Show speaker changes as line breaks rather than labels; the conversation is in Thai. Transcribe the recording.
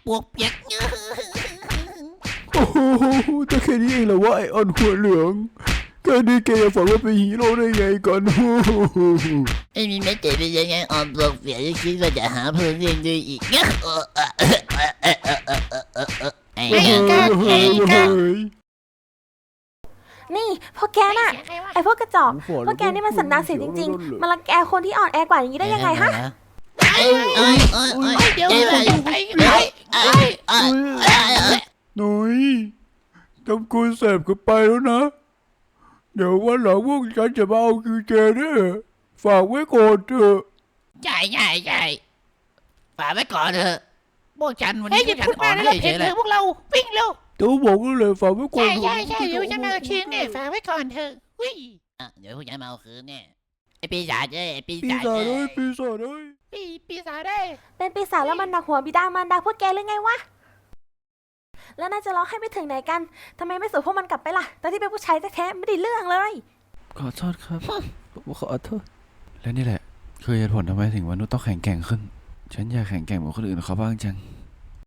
ปวกเปียก
โอ้โหแต่แค่นี้เองเหรอวะไอออนหัวเหลืองแค่นี้แกจะฝันว่าเป็นฮีโร่ได้ไงก่อนโอ้โห
ไม่มีแม้แต่เป็นยังไงออมปวกเปียกคิดว่าจะหาเพื่อนเล่นด้วยอีกไอ้
นี่พวกแกน่ะไอพวกกระจอกพวกแกนี่มันสันดานเสียจริงๆมันรังแกคนที่อ่อนแอกว่าอย่างนี้ได้ยังไงฮะ
เดี๋ยว
หน่อยทำกูแสบกันไปแล้วนะเดี๋ยววันหลังพวกฉันจะมาเอาคิวเจเนี่ยฝากไว้ก่อนเถอะ
ใช่ฝากไว้ก่อนเถอะพวกฉันวัน
เฮ้ย
นี้
หยุดพูดมาแล้วเห็นเลยพวกเราวิ่งเร็ว
ตัวบอกเลยฝากไว้ก่อน
ใช่เดี๋ยวจะมาชิงเนี่ยฝากไว้ก่อนเถอะวิ่ง
เดี๋ยวพวกฉันมาเอาคืนเนี่ยไอปีศาจไอปี
ปี
ศาจ
ศาจเลยปีศาจเลย
ปีศาจได้
เป็นปีศาจแล้วมันหนักหัวบิดามารดาพวกแกหรือไงวะแล้วน่าจะร้องให้ไปถึงไหนกันทำไมไม่ส่งพวกมันกลับไปล่ะตอนที่เป็นผู้ชายแท้ๆไม่ได้เรื่องเลย
ขอโทษครับผมขอโทษและนี่แหละคือเหตุผลทำไมถึงมนุษย์ต้องแข็งแกร่งขึ้นฉันอยากแข็งแกร่งเหมือนคนอื่นเขาบ้างจัง